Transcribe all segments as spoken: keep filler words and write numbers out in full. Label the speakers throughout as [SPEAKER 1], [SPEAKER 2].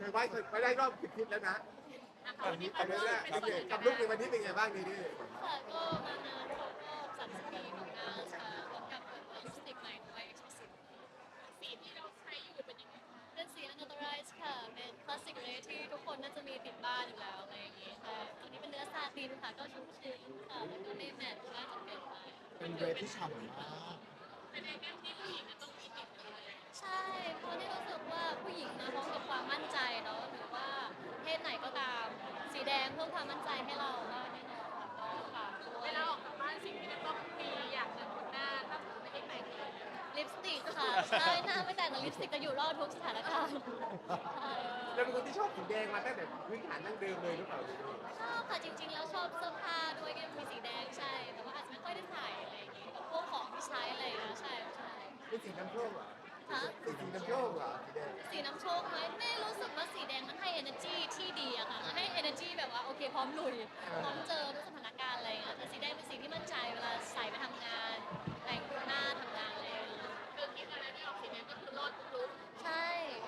[SPEAKER 1] ไหว้ไปได้รอบสิบทิศแล้วนะตอนนี้ตอนนี้แหละกับลูกในวันนี้เป็นไงบ้างดีดี
[SPEAKER 2] ค่ะก็มางานครบรอบสามสิบปีของงานค่ะพร้อมกับเปิดลิปสติกใหม่ด้วย Exclusive สีที่เราใช้อยู่เป็นยังไงคะเป็นสี Unauthorized ค่ะเป็นคลาสสิกเลยที่ทุกคนน่าจะมีติดบ้านอยู่แล้วอะไรอย่างงี้ค่ะตัวนี้เป็นเนื้อซาตินค่ะก็ชุ่มชื้นค่ะแล้วก็ไม่แมตต์มากจนเกินไป
[SPEAKER 3] เป็นเดรสที่ฉ่ำมาก
[SPEAKER 2] เป็นในแบบที่ผู้หญิงจะต้องมีติดเลยใช่เพราะนี่รู้สึกว่าผู้หญิงมาพร้อมกับความมั่นใจเนาะหรือว่าเพศไหนก็ตามสีแดงเพิ่มความมั่นใจให้เราก็แน่นอนค่ะก็ฝากด้วยเวลาออกจากบ้านสิ่งที่จะต้องมีอย่างหนึ่งบนหน้าถ้าไม่ได้แต่งลิปสติกค่ะใช่หน้าไม่แต่งแต่ลิปสติกจะอยู่รอดทุกสถานการณ์
[SPEAKER 1] เราเป็นคนที่ชอบสีแดงมาตั้งแต่พื้นฐานดั้งเดิมเลยหรือเปล่า
[SPEAKER 2] ชอบค่ะจริงๆแล้วชอบเสื้อผ้าด้วยก็มีสีแดงใช่แต่ว่าอาจจะไม่ค่อยได้ใส่อะไรอย่างงี้กับพวกของที่ใช้อะไรอย่างเงี้ยใช่ใช่
[SPEAKER 1] เป็นสีน้ำโชคเหรอ
[SPEAKER 2] ฮะ
[SPEAKER 1] เป็นสีน้ำโชคเหรอสีแดง
[SPEAKER 2] สีน้ำโชคไหมแม่รู้สึกว่าสีแดงมันให้ energy ที่ดีอะค่ะมันให้ energy แบบว่าโอเคพร้อมลุยพร้อมเจอทุกสถานการณ์อะไรอย่างเงี้ยแต่สีแดงเป็นสีที่มั่นใจเวลาใส่ไปทำงานแต่งหน้าทำงานอะไรอย่างเงี้ยคือคิดอะไรไม่ออกสีแดงก็คือรอดทุกลุกใช่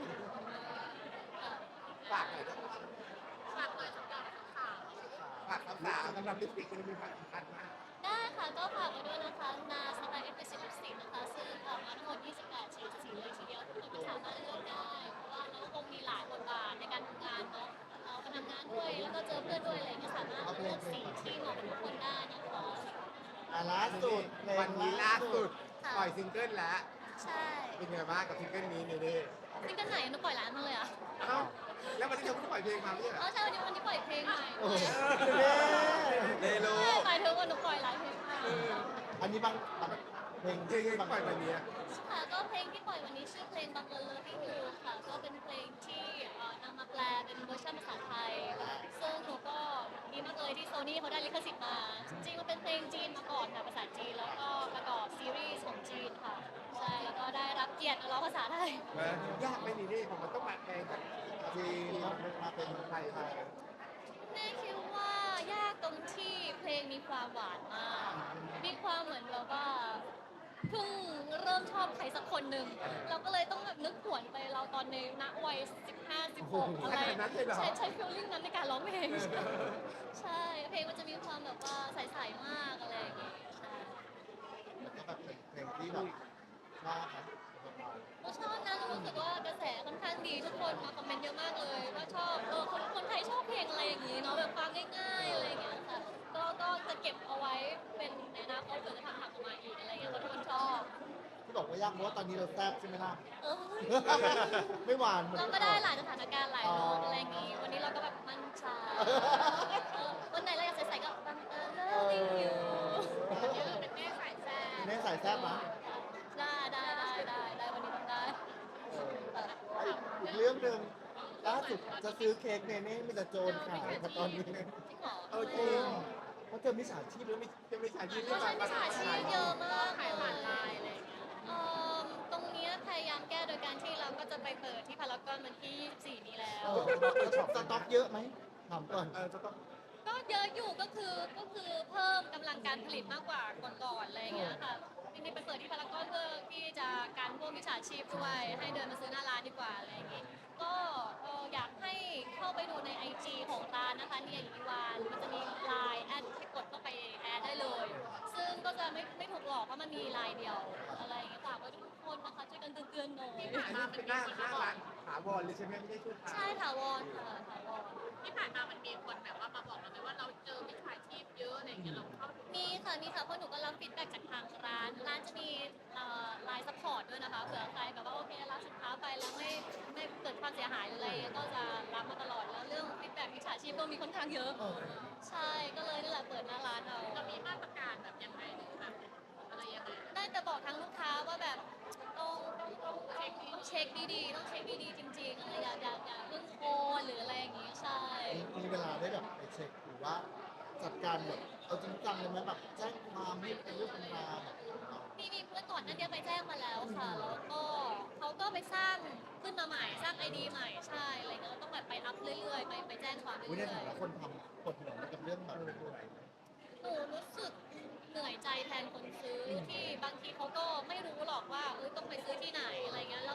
[SPEAKER 1] ฝากหน่อยนะ
[SPEAKER 2] ฝากเลยสำหรับข่าว
[SPEAKER 1] ฝากคำสาวสำหรับลิปสติกมันมีความสำคัญมาก
[SPEAKER 2] ได้ค่ะก็ฝากไว้ด้วยนะคะนาสไตล์เอ็กซ์เพรสลิปสติกนะคะซึ่งออกมาทั้งหมดยี่สิบแปดเฉดสีเลยทีเดียวทุกคนก็สามารถเลือกได้เพราะว่าเราก็คงมีหลายบทบาทในการทำงานเนาะเราไปทำงานด้วยแล้วก็เจอเพื่อนด้วยอะไรอย่างเงี้ยสามารถเลือกสีที่เหมาะกับทุกคนได้นะคะ
[SPEAKER 3] อ่ะล่าสุดเพล
[SPEAKER 1] วัน
[SPEAKER 3] ง
[SPEAKER 1] นี้ล่าสุด
[SPEAKER 2] ค่ะ
[SPEAKER 1] ปล่อยซิงเกิลแล้ว
[SPEAKER 2] ใช่
[SPEAKER 1] เป็นไงบ้างกับซิงเกิลนี้นี่ดิ
[SPEAKER 2] ซิงเกิลไหนหนูปล่อยร้านมาเลยอ่ะ
[SPEAKER 1] เอ้าแล้ววันนี้เธอเพิ่งปล่อยเพลงมาไม่ใช่เหร
[SPEAKER 2] อ๋อ
[SPEAKER 1] อ
[SPEAKER 2] ใช่วันนี้วันนี้ปล่อยเพลงใหม่
[SPEAKER 3] โอ้โห
[SPEAKER 1] เดโล
[SPEAKER 2] ใช่หมายถึงว่าหนูปล่อยหลายเพลงมาก
[SPEAKER 3] อันนี้บางบางเพลง
[SPEAKER 1] เพลงที่ปล่อยวันนี้
[SPEAKER 2] ค่ะก็เพลงที่ปล่อยวันนี้ชื่อเพลงบังเอิญ Loving You ค่ะก็เป็นเพลงที่เอ่อนำมาแปลเป็นเวอร์ชันภาษาไทยซึ่งหนูก็ดีมากเลยที่โซนี่เขาได้ลิขสิทธิ์มาจริงๆมันเป็นเพลงจีนมาก่อนค่ะภาษาจีนแล้วก็ประกอบซีรีส์ของจีนค่ะใช่แล้วก็ได้รับเกียรติมาร้องภาษาไทย
[SPEAKER 1] ยากไหมนี่ดิผมมันต้องมาแปลงจาก
[SPEAKER 3] จีนมาเป็นไทยไทย
[SPEAKER 2] แม่คิดว่ายากตรงที่เพลงมีความหวานมาก มีความเหมือนแบบว่าเพิ่งเริ่มชอบใครสักคนหนึ่งเราก็เลยต้องแบบนึกหวนไปเราตอนในณวัยสิบห้า สิบหกอะไรใช้ใช้ฟีลลิ่งนั้นในการร้องเพลง ใช่ เพลงมันจะมีความแบบว่าใสๆมากอะไรอย่างเงี้ยใช่
[SPEAKER 3] แล้วก็แบบเป็นเพลงที่แบบชอบนะ
[SPEAKER 2] ก็ชอบนะรู้สึกว่ากระแสค่อนข้างดีทุกคนมาคอมเมนต์เยอะมากเลยว่าชอบเออคนคนไทยชอบเพลงอะไรอย่างงี้เนาะแบบฟังง่ายๆอะไรอย่างเงี้ยค่ะก็ก็จะเก็บเอาไว้เป็นในอนาคตเผื่อจะทำทำออกมาอีกอะไรอย่างเงี้ยคนทุกคนชอบ
[SPEAKER 3] ที่บอกว่ายากเพราะว่าตอนนี้เราแซ่บใช่ไหมล่ะ
[SPEAKER 2] เออ
[SPEAKER 3] ไม่หวานหมือน
[SPEAKER 2] เราก็ได้หลายสถานการณ์หลายโน้ตอะไรอย่างงี้วันนี้เราก็แบบมั่นใจเออวันไหนเราอยากใส่ๆก็บังเอิญ loving you เป็นแม่สายแซ่บ
[SPEAKER 3] แม่สายแซ่บนะ
[SPEAKER 2] ได้ได้ได้ได้ได้วันนี้ต้องได้
[SPEAKER 3] เอออีกเรื่องหนึ่งล่าสุดจะซื้อเค้กเนเน่มีแต่โจรขายมาตอนนี้
[SPEAKER 2] จริงเหรอ
[SPEAKER 1] เออจริง
[SPEAKER 3] เพราะเจอมิจฉาชีพแล้วมี
[SPEAKER 1] จะไม่ใช่ยืน
[SPEAKER 2] ก็ใช้มิจฉาชีพเยอะมาก
[SPEAKER 4] ขายผ่านไลน์อะไรอย่างเงี้ย
[SPEAKER 2] เอ่อตรงเนี้ยพยายามแก้โดยการที่เราก็จะไปเปิดที่พารากอนวันที่ยี่สิบสี่นี้แล้ว
[SPEAKER 3] เออสต็อกเยอะไหมถามก่อน
[SPEAKER 1] เออจะต้อง
[SPEAKER 2] ก็เยอะอยู่ก็คือก็คือเพิ่มกำลังการผลิตมากกว่าก่อนๆอะไรอย่างเงี้ยค่ะจริงๆไปเปิดที่พารากอนเพื่อที่จะการพวกมิจฉาชีพด้วยให้เดินมาซื้อหน้าร้านดีกว่าอะไรอย่างงี้ก็เอ่ออยากให้เข้าไปดูใน ไอ จี ของร้านนะคะเนี่ยอีวานมันจะมีไลน์แอดที่กดเข้าไปแอดได้เลย ซึ่งก็จะไม่ไม่ถูกหลอกเพราะมันมีไลน์เดียวอะไรอย่างเงี้ยฝากไว้ทุกคนนะคะช่วยกันเตือนๆหน่อย
[SPEAKER 1] อันนี้เป็นหน้าหน้าร้านถาวรเลยใช่ไหมไม่ใช่ชั่วคราว
[SPEAKER 2] ใช่ถาวรค่ะถาวร
[SPEAKER 4] ที่ผ่านมามันมีคนแบบว่ามาบอกเราไหมว่าเราเจอมิจฉาชีพเยอะอะไรอย่างเงี้ยเราเข้าถึง
[SPEAKER 2] มีค่ะมีค่ะเพราะหนูก็รับฟีดแบ็กจากทางร้าน ร้านจะมีไลน์ซัพพอร์ตด้วยนะคะเผื่อใครแบบว่าโอเครับสินค้าไปแล้วไม่ไม่เกิดความเสียหายหรืออะไรก็จะรับมาตลอดแล้วเรื่องฟีดแบ็กมิจฉาชีพก็มีค่อนข้างเยอะ
[SPEAKER 3] เออ
[SPEAKER 2] ใช่ก็เลยนี่แหละเปิดหน้าร้านเอา
[SPEAKER 4] เรามีมาตรการแบบยังไงหรือแบบอะไรยังไง
[SPEAKER 2] ได้แต่บอกทางลูกค้าว่าแบบต้องต้องต้องต้องเช็คดีๆต้องเช็คดีๆจริงๆอะไรอย่าอย่าอย่าเพิ่งโอนหรืออะไรอย่างงี้ใช่
[SPEAKER 3] มีเวลาได้แบบไปเช็คหรือว่าจัดการแบบเอาจริงจังเลยไหมแบบแจ้งความให้เป็นเรื่องเป็นราวแบบ
[SPEAKER 2] มีมีเมื่อก่อนนั้นเดียวไปแจ้งมาแล้วค่ะ แล้วก็เขาก็ไปสร้างขึ้นมาใหม่สร้างไอดีใหม่ใช่อะไรเงี้ยเราต้องแบบไปอัพเรื่อยๆไปไปแจ้งความเรื่
[SPEAKER 3] วิใน
[SPEAKER 2] อย
[SPEAKER 3] ฐานะคนทำปวดหัวกับเรื่องแบบ
[SPEAKER 2] ๆหนูรู้สึกเหนื่อยใจแทนคนซื้อที่บางทีเขาก็ไม่รู้หรอกว่าเออต้องไปซื้อที่ไหนอะไรเงี้ยแล้ว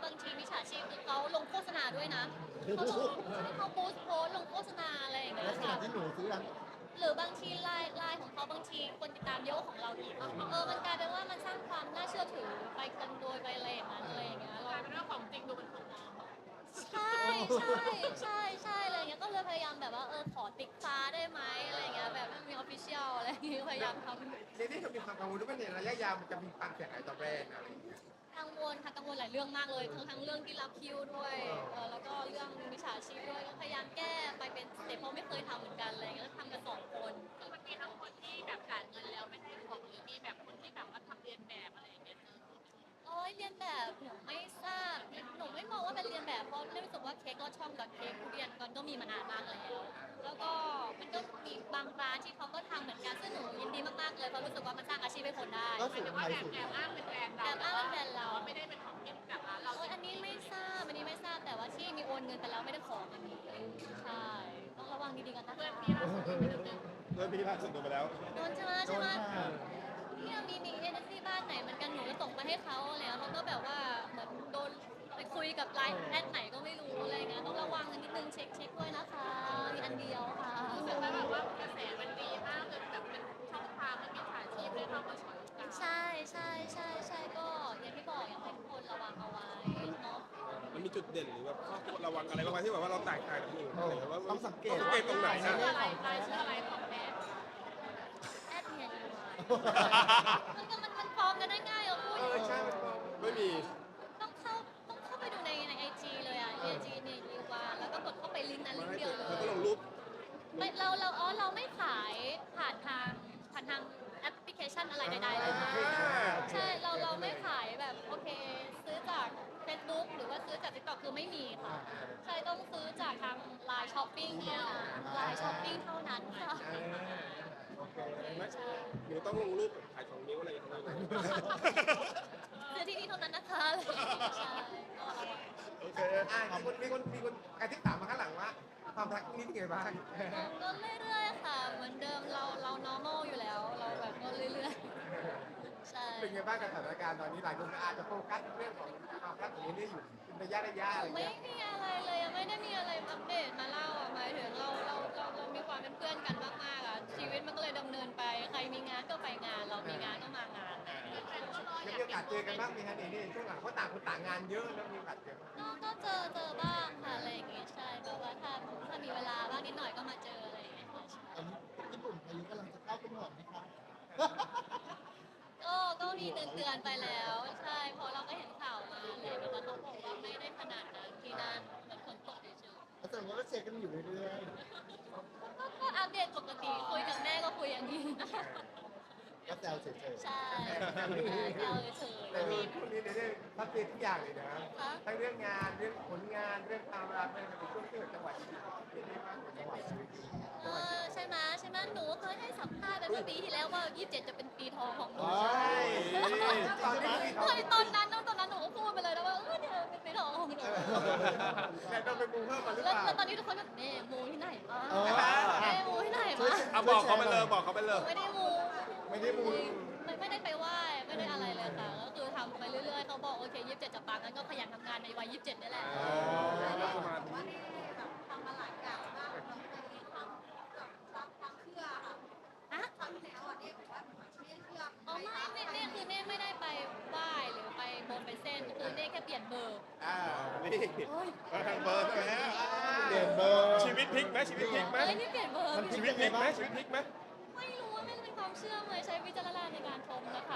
[SPEAKER 2] บางทีมิจฉาชีพคือเขาลงโฆษณาด้วยนะเขาลงเขาโพสต์โพสต์ลงโฆษณาอะไรอย่าง
[SPEAKER 3] แล้
[SPEAKER 2] เงี้
[SPEAKER 3] วย ขณะ
[SPEAKER 2] ค่ะ
[SPEAKER 3] ที่หนูซื้อร้าน
[SPEAKER 2] หรือบางทีไลน์ไลน์ของเขาบางทีคนติดตามเยอะกว่าของเราอีกเออมันกลายเป็นว่ามันสร้างความน่าเชื่อถือไปกันโดยไปอะไรอย่างนั้นอะไรอย่างเงี้ย
[SPEAKER 4] ก
[SPEAKER 2] เรา
[SPEAKER 4] ลายเป็นว่าของจริงดูเป็นของปลอม
[SPEAKER 2] ใช่ใช่ใช่ใช่อะไรอย่างเงี้ยก็เลยพยายามแบบว่าเออขอติ๊กฟ้าได้ไหมอะไรอย่างเงี้ยแบบไม่มีออฟฟิเชียลอะไรอย่างเงี้ยพยายามทำ
[SPEAKER 1] ในนี้จะมีความกังวลว่าในระยะยาวมันจะมีความเสียหายต่อแบรนด์อะไรอย่างเงี้ย
[SPEAKER 2] กังวลค่ะกังวลหลายเรื่องมากเลยทั้งทั้งเรื่องที่รับคิวด้วยเออแล้วก็เรื่องมิจฉาชีพด้วยก็พยายามแก้ไปเป็นสเต็ปเพราะไม่เคยทำเหมือนกันอะไรอย่างเงี้ยแล้วทำกันสองคน
[SPEAKER 4] คือมันมีทั้งคนที่แบบจ่ายเงินแล้วไม่ได้ของหรือมีแบบคนที่แบบว่าทำเรียนแบบอะไรอย่างเงี้ยเออ
[SPEAKER 2] โอ้ยเรียนแบบหนูไม่ทราบหนูไม่มองว่าเป็นเรียนแบบเพราะรู้สึกว่าเค้กรอดช่องกับเค้กทุเรียนมันก็มีมานานมากแล้ว แล้วก็มันก็มีบางร้านที่เขาก็ทำเหมือนกันซึ่งหนูยินดีมากๆเลยเพราะรู้สึกว่ามันสร้างอาชีพให้คนได้
[SPEAKER 3] ก็
[SPEAKER 4] ห
[SPEAKER 3] สู
[SPEAKER 4] มาย
[SPEAKER 3] ง
[SPEAKER 4] ถึง
[SPEAKER 3] ไท
[SPEAKER 4] ว่าย แอบ
[SPEAKER 3] สุด
[SPEAKER 4] แอบอ้างเป็นแบรนด์เรา
[SPEAKER 2] แอบอ้างเป็นแบรนด์เรา
[SPEAKER 4] ไม่ได้เป็นของที่แบบร้านเรา
[SPEAKER 2] โอ้ยอันนี้ไม่ทราบอันนี้ไม่ทราบแต่ว่าที่มีโอนเงินไปแล้วไม่ได้ของอันนี้ใช่ต้องระวังดีๆกันนะ
[SPEAKER 4] เพื่อน
[SPEAKER 2] คะ
[SPEAKER 4] พี่ล่าสุดที่เป็นเรื่อง
[SPEAKER 1] เริ่มพี่ล่าสุดโดนไปแล้ว
[SPEAKER 2] โดนใช่ไหม
[SPEAKER 3] โด
[SPEAKER 2] ใช่
[SPEAKER 3] น
[SPEAKER 2] ไหม
[SPEAKER 3] ค่ะ
[SPEAKER 2] เนี่ยมีมีเอเจนซี่บ้านไหนเหมือนกันหนูก็ส่งไปให้เขาแล้วเขาก็แบบว่าเหมือนโดนไปคุยกับไลน์แอดไหนก็ไม่รู้อะไรเงี้ยต้องระวังกันนิดนึงเช็คเช็คด้วยนะคะมีอันเดียวค่ะ
[SPEAKER 4] รู้สึกว่าแบบว่ากระแสมันดีมากจนแบบเป็นช่องทางมันมีขายชีพได้เข้ามาฉวยโอกาส
[SPEAKER 2] ใช่ใช่ใช่ใช่ก็อย่างที่บอกอยากให้ทุกคนระวังเอาไว้เนาะ
[SPEAKER 5] มันมีจุดเด่นหรือแบบข้อควรระวังอะไรบ้างไหมที่แบบว่าเราแตกต่างจากคนอื่นอะไรอย่างเงี้ยว่า
[SPEAKER 3] ต้องสังเกต
[SPEAKER 5] ต้องสังเกตตรงไหน
[SPEAKER 4] ชื่
[SPEAKER 5] นะ
[SPEAKER 4] ออะไรรายชื่ออะไรของแม่
[SPEAKER 2] แอดเนี่ยมันก็มันมันปลอมกันได้ง่ายอ่ะพูด
[SPEAKER 1] เออใช่มันบอก
[SPEAKER 5] ไม่มี
[SPEAKER 2] ต้องเข้าต้องเข้าไปดูในในไอจีเลยอ่ะไอจีเนี่ยยีวาแล้วก็กดเข้าไปลิงก์นั้นลิงก์เดียวเล
[SPEAKER 5] แล้ว
[SPEAKER 2] ย
[SPEAKER 5] ก็ลงรูป
[SPEAKER 2] ไม่เราเราอ๋อเราไม่ขายผ่านทางผ่านทางแอปพลิเคชันอะไรใดๆเลยค่ะใช่เราเราไม่ขายแบบโอเค ซื้อจาก Facebook หรือว่าซื้อจาก TikTok คือไม่มีค่ะใช่ต้องซื้อจากทาง Line Shopping เท่านั้น Line Shopping เท่านั้นค่ะ
[SPEAKER 1] เออโอเค
[SPEAKER 5] ไหมหนูต้องลงรูปขายของนิ้วอะไรอย่างเงี้ย
[SPEAKER 2] ซื้อที่นี่เท่านั้นนะคะอะไรอย่างเงี้ยใช่ก็ระวัง
[SPEAKER 1] โอเคอ่ะมีคนมีคนมีคนกระทิบถามมาข้างหลังว่าความรักนี้เป็นไงบ้าง
[SPEAKER 2] ก็เรื่อยๆค่ะ เหมือนเดิมเราเรา normal อยู่แล้ว เราแบบก็เรื่อยๆ ใช่
[SPEAKER 1] เป็นไงบ้างกับสถานการณ์ตอนนี้หลายคนอาจจะโฟกัสเรื่องของความรักของนี้อยู่เป็นระยะระยะอะไร
[SPEAKER 2] ไม่
[SPEAKER 1] เงี้ย
[SPEAKER 2] มีอะไรเลยยังไม่ได้มีอะไรอัปเดตมาเล่าอ่ะหมายถึงเราเราเราเรามีความเป็นเพื่อนกันมากๆอ่ะชีวิตมันก็เลยดำเนินไป ใครมีงานก็ไปงาน เรามีงานก็มางาน
[SPEAKER 1] แล้วมีโอกาสเจอกันบ้างไหมคะในนี่ช่วงหลังเพราะต่างคนต่างงานเยอะแล้วมีโอกาสเจอบ้าง
[SPEAKER 2] ก็ก็เจอเจอบ้างค่ะอะไรอย่างเงี้ยใช่แบบว่าถ้าถ้ามีเวลาบ้างนิดหน่อยก็มาเจออะไรอย่างเงี้ยค่ะใช่
[SPEAKER 3] ตอนนี้ญี่ปุ่นพายุกำลังจะเข้าเป็นห่วงไหมคะ
[SPEAKER 2] ก็ก็มีเตือนเตือนๆไปแล้ว ใช่เพราะเราก็เห็นข่าวมาอะไรอย่างเงี้ยแต่เขาบอกว่าไม่ได้ขนาดนั้นที่นั่นเหมือนฝนตกเฉยๆ
[SPEAKER 3] แล้วแต่ว่าก็เช็คกันอยู่เรื่อย
[SPEAKER 2] ก็ก็อัปเดตปกติคุยกับแม่ก็คุยอย่างนี้
[SPEAKER 3] ๆก็แซวเฉย
[SPEAKER 2] ใช่แซวเฉย
[SPEAKER 1] แต่มีช่วงนี้ในเรื่องพัฒนาทุกอย่างเลยนะทั้งเรื่องงานเรื่องผลงานเรื่องความรักเรื่องในช่วงที่แบบจังหวัดที่เป็นได้มากกว่าจังหวัดชีวิต
[SPEAKER 2] เออใช่ไหมใช่ไหมหนูเคยให้สัมภาษณ์ไปเมื่อปีที่แล้วว่ายี่สิบเจ็ดจะเป็นปีทองของหนู
[SPEAKER 3] ๆ
[SPEAKER 1] ใช่ตอนนี้มี
[SPEAKER 2] เคยตอนนั้นตอนนั้นหนูก็พูดไปเลยนะว่าเออเนี่ยเป็นปีทองของหนู
[SPEAKER 1] แต่ต้องไปมูเพิ่มมาหรือ
[SPEAKER 2] แล้ว
[SPEAKER 1] เปล่า
[SPEAKER 2] แล้วตอนนี้ทุกคนแบบเน่มูที่ไหนมา
[SPEAKER 3] เออ
[SPEAKER 2] เน่มูที่ไหน
[SPEAKER 3] ช่วย
[SPEAKER 2] มา
[SPEAKER 5] อ่ะบอกเขาไปเลยบอกเขาไปเลย
[SPEAKER 2] ไม่ได้มู
[SPEAKER 3] ไม่ได้มู
[SPEAKER 2] ไม่ไม่ได้ไปไหว้ไม่ได้อะไรเลยค่ะก็คือทำไปเรื่อยๆเขาบอกโอเคยี่สิบเจ็ดจะปังงั้นก็ขยันทำงานในวัยยี่สิบเจ็ดนี่แหละ
[SPEAKER 5] แล้วสมาธิ
[SPEAKER 4] ทำมาหลายอย่างมากเราเคยมีความแบบความความเชื่อค่ะ
[SPEAKER 2] ฮะ
[SPEAKER 4] ครั้งที่แล้วอ่ะเนี่ยบอกว่าไม่ได้เชื่อ
[SPEAKER 2] อ๋อไม่ไม่เน่คือเน่ไม่ได้ไปไหว้หรือไปบนไปเส้นคือเน่แค่เปลี่ยนเบอร์
[SPEAKER 1] อ่า
[SPEAKER 5] นี่
[SPEAKER 2] เฮ้ย
[SPEAKER 5] ทางเบอร์ใช่ไหม
[SPEAKER 3] เปลี่ยนเบอร์
[SPEAKER 5] ชีวิตพลิกไหมชีวิตพลิกไหม
[SPEAKER 2] เฮ้ยนี่เปลี่ยนเบอร์
[SPEAKER 3] มันพลิ
[SPEAKER 5] ชี
[SPEAKER 3] ก
[SPEAKER 5] วิตพลิกไหมชีวิตพลิกไหม
[SPEAKER 2] ไม่รู้ว่าไม่เป็นความเชื่อเลยใช้วิจารณญาณในการชมนะคะ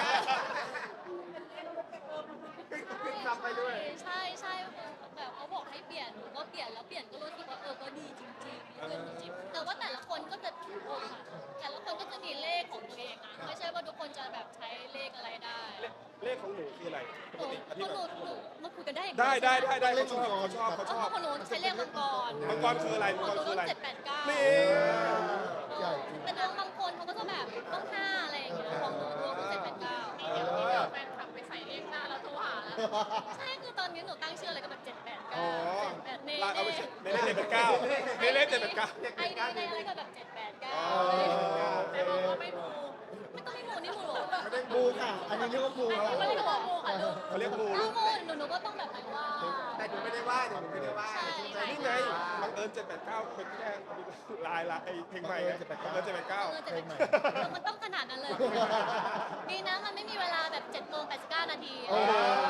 [SPEAKER 1] ขึ้นซับไปด้วย
[SPEAKER 2] ใช่ใช่แบบเขาบอกให้เปลี่ยนหนูก็เปลี่ยนแล้วเปลี่ยนก็รู้สึกว่าเออก็ดีจริงๆขึ้นจริงๆแต่ว่าแต่ละคนก็จะถูกค่ะแต่ละคนก็จะมีเลขของตัวเองอ่ะไม่ใช่ว่าทุกคนจะแบบใช้เลขอะไรได้
[SPEAKER 5] เลขของหนูคืออะไรป
[SPEAKER 2] ห
[SPEAKER 5] ก
[SPEAKER 2] นู
[SPEAKER 5] ติอ
[SPEAKER 2] เพ
[SPEAKER 5] ธิ
[SPEAKER 2] ราะห
[SPEAKER 5] บา
[SPEAKER 2] นู
[SPEAKER 5] ย
[SPEAKER 2] หนูมาคุยกันได้อีก
[SPEAKER 5] ได้ได้ได้ได้
[SPEAKER 3] เล
[SPEAKER 5] เขา
[SPEAKER 3] ข
[SPEAKER 5] ชอบ
[SPEAKER 3] มังกร
[SPEAKER 5] เขาชอบเขาช
[SPEAKER 2] อ๋
[SPEAKER 5] อ
[SPEAKER 2] อบ ของหนูใช้เลขมังกร
[SPEAKER 5] มังกรคืออะไร
[SPEAKER 2] ข
[SPEAKER 5] มั
[SPEAKER 2] อง
[SPEAKER 5] ง
[SPEAKER 2] ห
[SPEAKER 5] กร
[SPEAKER 2] นู
[SPEAKER 5] คืออะไร
[SPEAKER 2] เจ็ดแปดเก้า
[SPEAKER 5] นี่
[SPEAKER 3] ใหญ่จริง
[SPEAKER 2] แต่ดวงบางคนเขาก็จะแบบต้องห้าอะไรอย่างเงี้ยของหนูดวงก็เจ็ดแปดเก้า
[SPEAKER 4] เดี๋ยวที่เดี๋ยวแฟนคลับไปใส่เลขหน้าแล้วโทรหาแล้ว
[SPEAKER 2] ใช่คือตอนนี้หนูตั้งชื่ออะไรก็แบบเจ็ดแปด
[SPEAKER 5] อ๋
[SPEAKER 2] เก้า
[SPEAKER 5] อ
[SPEAKER 2] เจ็ดแปดเน่
[SPEAKER 5] ลาเอา
[SPEAKER 2] เน่
[SPEAKER 5] ไปในเลขเจ็ดแปดเก้าในเลขเจ็ดแปดเก้า
[SPEAKER 2] ไอดีในอะไรก็แบบเจ็ดแปดเก้า
[SPEAKER 5] อ๋อ
[SPEAKER 2] อะไรอย่างเงี้ย
[SPEAKER 4] แต่บอกว่าไม่มู
[SPEAKER 2] ไม่ต้องไม่หมูนี่หมูหรอ
[SPEAKER 1] ไม่ได้รื่อง
[SPEAKER 3] มูค่ะ อันนี้เรียกว่ามูค่ะ
[SPEAKER 2] ไม่ได้หัวงูค่ะลูก
[SPEAKER 5] เขาเรียกมู
[SPEAKER 2] ถ้างูหนูหนูก็ต้องแบบไหนว่า
[SPEAKER 1] แต่หนูไม่ได้ว่าหนูไม่ได้ว่า
[SPEAKER 2] ใช่
[SPEAKER 5] นี่ไงบังเอิญเจ็ดแปดเก้าเป็นแค่ลายละไอเพลงใหม่ไงบังเอิญเจ็ดแปดเก้า
[SPEAKER 2] เออจะเป็นเออมันต้องขนาดนั้นเลย ดีนะมันไม่มีเวลาแบบเจ็ดโมงแปดสิบเก้านาที
[SPEAKER 3] เออ